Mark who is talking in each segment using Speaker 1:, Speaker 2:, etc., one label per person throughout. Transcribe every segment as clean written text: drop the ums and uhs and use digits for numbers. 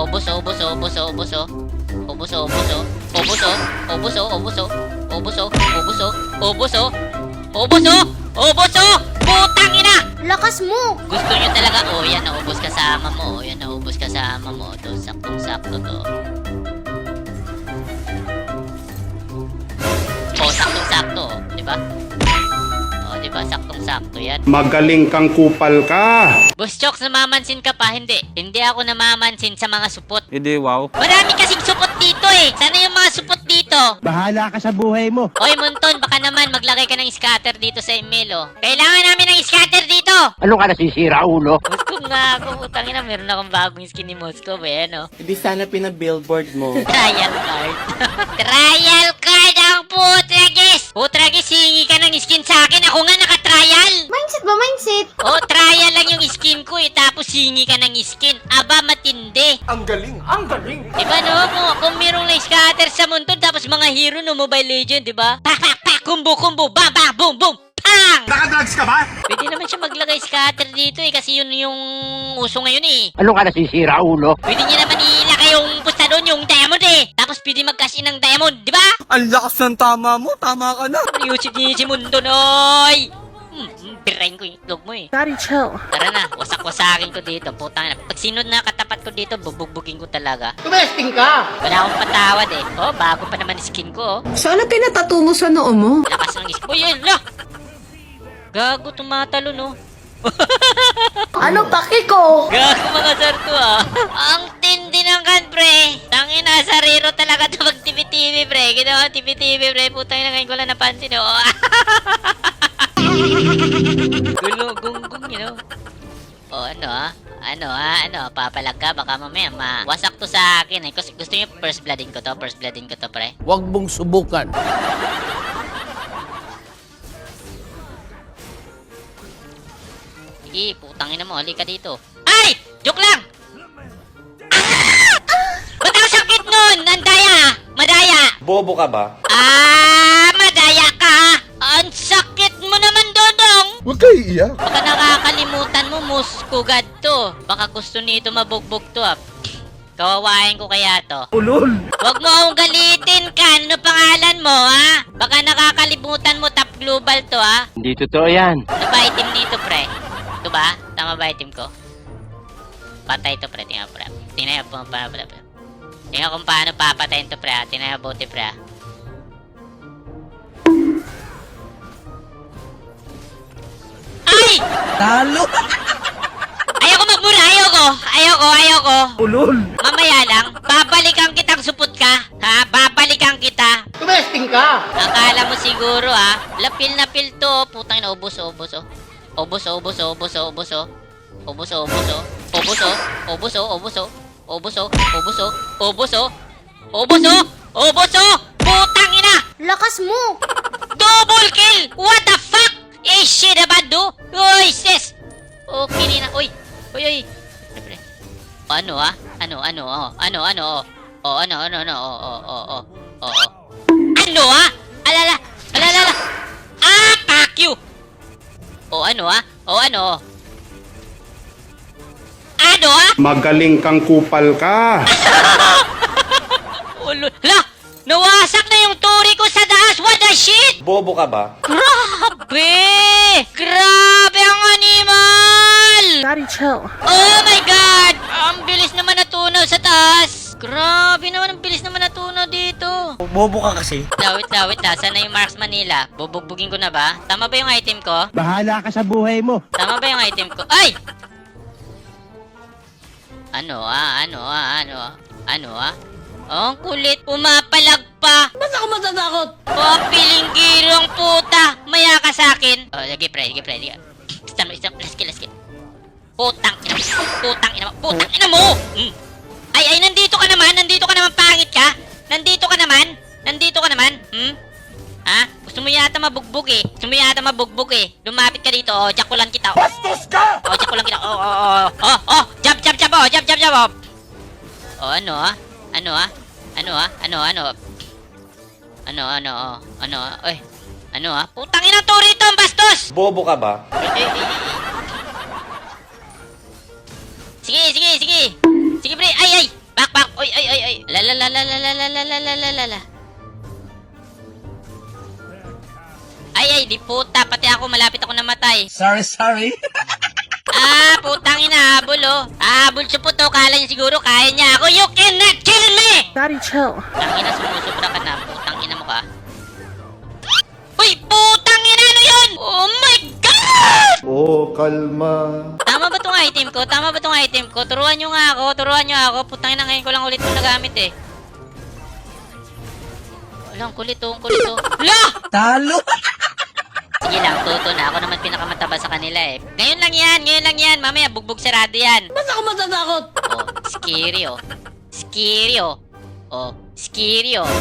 Speaker 1: Ubos, ubos, ubos, ubos, ubos, ubos, ubos, ubos, ubos, ubos, ubos, ubos, ubos, ubos, putang ina!
Speaker 2: Lakas mo!
Speaker 1: Gusto nyo talaga, yan, naubos kasama mo, yan, naubos kasama mo, to, saktong-sakto to. Saktong-sakto, di ba? Di ba? Saktong-sakto yan.
Speaker 3: Magaling kang kupal ka.
Speaker 1: Boss Chokes, namamansin ka pa? Hindi. Hindi ako namamansin sa mga supot.
Speaker 4: Hindi, wow.
Speaker 1: Marami kasing supot dito eh. Sana yung mga supot dito.
Speaker 5: Bahala ka sa buhay mo.
Speaker 1: Oy, Monton, baka naman maglagay ka ng scatter dito sa email, oh. Kailangan namin ng scatter dito.
Speaker 5: Ano ka nasisira, ulo?
Speaker 1: Gusto nga ako, putang ina, meron akong bagong skin ni Moscow, eh, ano?
Speaker 4: Hindi sana pinabillboard mo.
Speaker 1: Trial card. Trial card ang putragis! Putragis, hingi ka ng skin sa akin. Ako nga naka-trial.
Speaker 2: Mindset ba? Mindset?
Speaker 1: Oh, trial lang yung skin ko eh. Tapos hingi ka ng skin. Aba, matindi.
Speaker 4: Ang galing! Ang galing!
Speaker 1: Diba no? Kung merong na scatter sa mundo, tapos mga hero no Mobile Legend, diba? Pak, pak, pak, kumbo, kumbo, bam, bam, boom, boom, pang!
Speaker 3: Nakadrugs ka ba?
Speaker 1: Pwede naman siya maglagay scatter dito eh, kasi yun yung uso ngayon eh.
Speaker 5: Ano ka nasisira, ulo?
Speaker 1: Pwede niya naman ilagay yung pusta doon, yung diamond eh. Tapos pwede mag-cash in ng diamond, di ba?
Speaker 4: Ang lakas ng tama mo! Tama ka na!
Speaker 1: Yusip niya si Mundo, noy! Birahin ko yung itlog mo eh.
Speaker 2: Daddy, chill.
Speaker 1: Tara na, wasak-wasakin ko dito. Putang na. Pag sinod na katapat ko dito, bubugbugin ko talaga.
Speaker 5: Tumesting ka!
Speaker 1: Wala akong patawad eh. Oh, bago pa naman skin ko oh.
Speaker 6: Sana pinatato mo sa noo mo.
Speaker 1: Lakas ng skin. Uy, yun, la! Gago, tumatalo no.
Speaker 2: Ano paki ko?
Speaker 1: Gago mga sarto ah. Ang tindi ng kan, pre. Tangina, sariro talaga ito mag TV-TV, pre. Ginawa TV-TV, pre. Putang ina, ngayon ko lang napansin oh. Gulo, gunggong, you know. O, ano, papalag ka, baka mamaya mawasak to sa akin eh. Kasi gusto nyo first bloodin ko to, pre.
Speaker 5: Huwag mong subukan.
Speaker 1: Sige, putangin na mo, halika dito. Ay! Joke lang! Ah! Ba't ang sakit nun? Nandaya! Madaya!
Speaker 4: Bobo ka ba?
Speaker 1: Madaya ka! Ang sakit mo naman, Dodong!
Speaker 3: Huwag kayo iiyak.
Speaker 1: Baka nakakalimutan mo, muskugad to. Baka gusto nito mabugbog to, ah. Kawawain ko kaya to.
Speaker 5: Ulol!
Speaker 1: Huwag mo akong galitin ka. Ano pangalan mo, ha? Baka nakakalimutan mo, top global to, ha?
Speaker 5: Hindi totoo yan.
Speaker 1: Ano ba item nito, pre? Ito ba? Tama ba item ko? Patay to, pre. Tingnan, pre. Tingnan kung paano papatayin to, pre, ha? Tingnan buti, pre, ha? Ay!
Speaker 5: Talo!
Speaker 1: Ayoko magmura, ayoko.
Speaker 5: Ulol!
Speaker 1: Mamaya lang, babalikan kitang supot ka. Ha? Babalikan kita.
Speaker 5: Tumesting ka!
Speaker 1: Akala mo siguro ha, lapil na pil to. Putang ina, ubos. Ubos. Putang ina!
Speaker 2: Lakas mo!
Speaker 1: Double kill! What the fuck? Eh, shit about do? Uy, sis! Okay na, uy. Pre. Ano ah? Ano? Ano ah? Alala! Fuck you! Ano ah? Ano ah?
Speaker 3: Magaling kang kupal ka.
Speaker 1: Hala! Nawasak na yung turi ko sa taas! What the shit?
Speaker 4: Bobo ka ba?
Speaker 1: Grabe! Grabe ang animal!
Speaker 6: Daddy, chill.
Speaker 1: Oh my God! Ang bilis naman natunaw sa taas! Grabe naman, ang bilis naman natunaw dito!
Speaker 4: Bobo ka kasi.
Speaker 1: Wait lang. Sana yung Marks Manila? Bubugbugin ko na ba? Tama ba yung item ko?
Speaker 5: Bahala ka sa buhay mo.
Speaker 1: Tama ba yung item ko? Ay! Ano ah? Oh, ang kulit. Pumapalag pa.
Speaker 5: Ba't ako matatakot?
Speaker 1: Oh, pilinggirong puta. Maya ka sa akin. Oh, lagi pre. Stun. Last kill. Putang ina mo. Ay, nandito ka naman, pangit ka. Nandito ka naman. Ha? Gusto mo yata mabugbog eh. Lumapit ka dito. Oh, jakulan kita.
Speaker 4: Bastos ka!
Speaker 1: Jab. Oh, ano ah? Oy. Ano ah? Putang ina to rito, ang bastos!
Speaker 4: Bobo ka ba?
Speaker 1: Sige. Sige pre. Ay. la. Ay, di puta. Pati ako, malapit ako namatay.
Speaker 5: Sorry.
Speaker 1: Putang ina, habol oh. Habol siya po to. Kala niya siguro kaya niya ako. You cannot kill me!
Speaker 6: Daddy, chill.
Speaker 1: Putang ina, sumusubra ka na. Putang ina mo ka. Uy, putang ina, ano yun? Oh my God!
Speaker 3: Oh, kalma.
Speaker 1: Tama ba tong item ko? Tama ba tong item ko? Turuan nyo nga ako. Turuan nyo ako. Putang ina, ngayon ko lang ulit ito nagamit eh. Wala, ang kulit oh. Ang kulit oh. Wala!
Speaker 5: Talo.
Speaker 1: Sige lang, tuto na. Ako naman pinakamataba sa kanila eh. Ngayon lang yan. Mamaya, bugbog sarado yan.
Speaker 5: Ba't ako matatakot?
Speaker 1: Oh, scary oh. Scary oh. Oh, scary oh.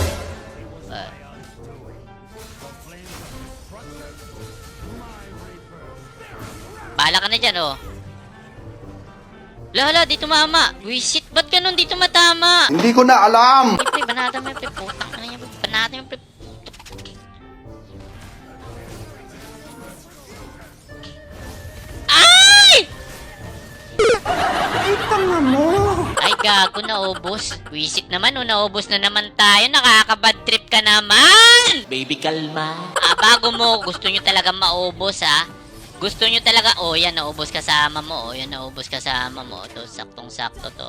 Speaker 1: Bahala ka na dyan oh. Lala, di tumama. Wisit, ba't ganun di tumatama?
Speaker 3: Hindi ko na alam.
Speaker 1: Pre, banata mo yung pre. Putang ka na yan. Banata mo yung pre. Ay! Ay, gago, naubos. Wisit naman, oh, naubos na naman tayo. Nakaka-bad trip ka naman!
Speaker 4: Baby, kalma.
Speaker 1: Bago mo, gusto nyo talaga maubos, ha? Gusto nyo talaga, oh, yan, naubos kasama mo. Oh, yan, naubos kasama mo. To, saktong-sakto to.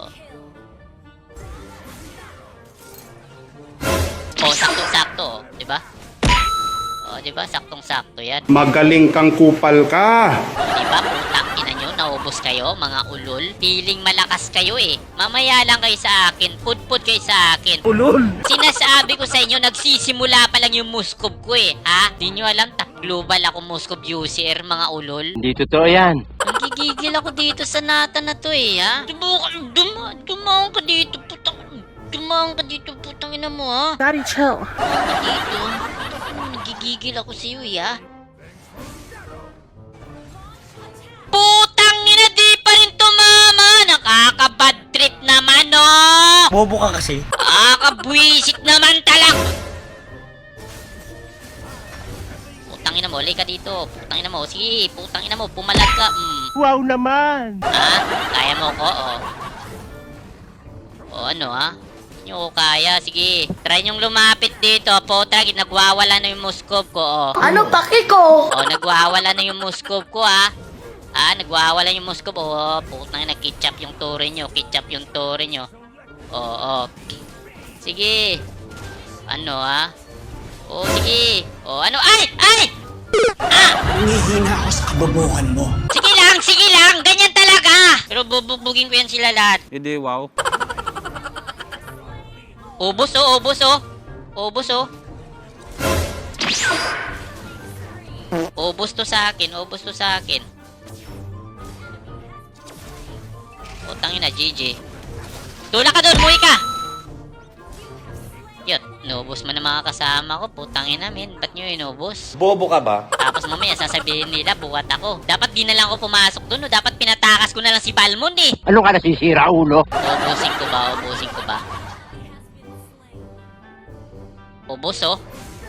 Speaker 1: Oh, saktong-sakto, oh. Diba? Oh, diba? Saktong-sakto yan.
Speaker 3: Magaling kang kupal ka.
Speaker 1: Diba, putang ina nyo, naubos kayo, mga ulol. Feeling malakas kayo eh. Mamaya lang kayo sa akin, pudpud kayo sa akin.
Speaker 5: Ulol.
Speaker 1: Sinasabi ko sa inyo, nagsisimula pa lang yung Muscov ko eh, ha? Di nyo alam, global ako Muscov user, mga ulol.
Speaker 5: Hindi totoo yan.
Speaker 1: Nagigigil ako dito sa nata na to eh, ha? Dumaan ka dito, putang. Dumaan ka dito, putang ina mo, ha?
Speaker 6: Daddy, chill.
Speaker 1: Dumaan ka dito. Nagigigil ako sa iyo, ha? Putang ina, di pa rin tumama! Nakaka-bad trip naman, oh!
Speaker 4: Bobo ka kasi.
Speaker 1: Nakakabwisit naman talaga! Putang ina mo, lay ka dito. Putang ina mo, sige, putang ina mo, pumalag ka.
Speaker 5: Wow naman.
Speaker 1: Ha? Kaya mo ko, oh. O ano, ha? Hindi nyo ko kaya, sige. Try nyong lumapit dito, potag, nagwawala na yung Muscov ko, oh.
Speaker 2: Ano paki ko?
Speaker 1: Oh, nagwawala na yung Muscov ko, ha? Nagwawala yung Muscov, oh. Putang ina, ketchup yung tore nyo, ketchup yung tore nyo. Oh. Sige. Ano, ha? Oh, sige. Oh, ano? Ay!
Speaker 5: Humihina ako sa kabobohan mo.
Speaker 1: Sige lang! Ganyan talaga! Pero bubugbugin ko yan sila lahat.
Speaker 4: Hindi, wow.
Speaker 1: Ubos oh. Ubos oh. Ubos to sa akin. Utangin na, GG. Tula ka doon, muwi ka! Yun, inubos mo na mga kasama ko. Putangin na, men. Ba't nyo inubos?
Speaker 4: Bobo ka ba?
Speaker 1: Tapos mamaya sasabihin nila, buwat ako. Dapat di na lang ako pumasok doon, no? Dapat pinatakas ko na lang si Balmond, eh.
Speaker 5: Ano ka nasisira, ulo?
Speaker 1: Ubusin ko ba? Ubos, oh.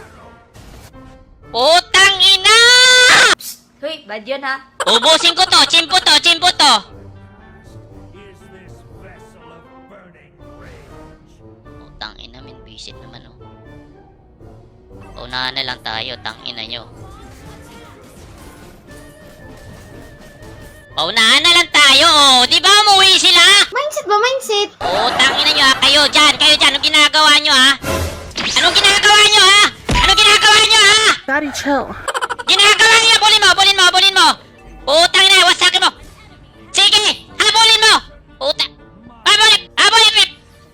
Speaker 1: Putang ina!
Speaker 2: Hoy, bad yun ha?
Speaker 1: Ubusin ko to! Chimpo to! Putang ina, min. Visit naman, oh. Unahan na lang tayo, tang ina nyo. Paunahan na lang tayo, oh. Di ba umuwi sila?
Speaker 2: Mindset ba, mindset?
Speaker 1: Oh, tangina nyo, ha? Kayo dyan. Anong ginagawa nyo, ha? Anong ginagawa nyo, ha?
Speaker 6: Daddy, chill.
Speaker 1: Ginagawa nyo, bulin mo. Putang ina, wasakin mo. Sige, habulin mo. Habulin.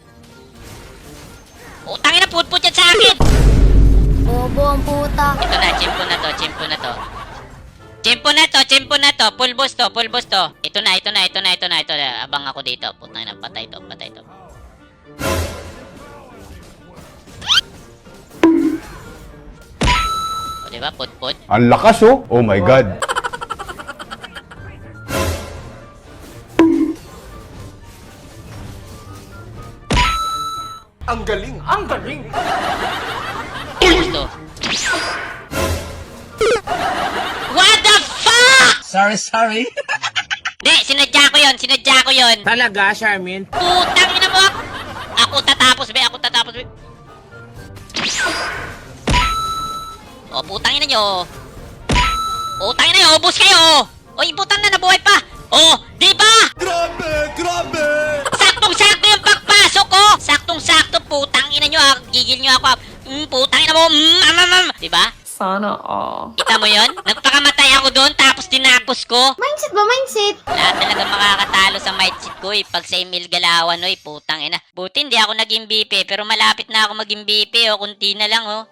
Speaker 1: Putang ina, putput yan sa akin.
Speaker 2: Bobo ang puta.
Speaker 1: Ito na, chimpo na to. Pulbos to. Ito na. Abang ako dito. Putang ina, patay to. O, diba? Put.
Speaker 3: Ang lakas oh. Oh my God.
Speaker 4: Ang galing.
Speaker 1: Pulbos to. What the fuck?
Speaker 5: Sorry.
Speaker 1: Hindi, sinadya ko yun.
Speaker 5: Talaga, Charmin?
Speaker 1: Putang ina mo. Ako Ako tatapos, be. Ako tatapos, be. O, putang ina nyo. Putang ina nyo, ubos kayo. Oy, putang na, nabuhay pa. Oh, di ba?
Speaker 3: Grabe!
Speaker 1: Saktong-sakto yung pagpasok ko. Saktong-sakto, putang ina nyo, ah. Gigil nyo ako, ah. Putang ina mo, di ba?
Speaker 6: Sana all.
Speaker 1: Kita mo yun? Nagpakamatay ako doon, tapos tinapos ko.
Speaker 2: Mindset ba, mindset?
Speaker 1: Wala talaga makakatalo sa mindset ko, eh. Pag sa Emil Galawan, oy, putang ina. Buti hindi ako naging BP, pero malapit na ako maging BP, oh. Kunti na lang, oh.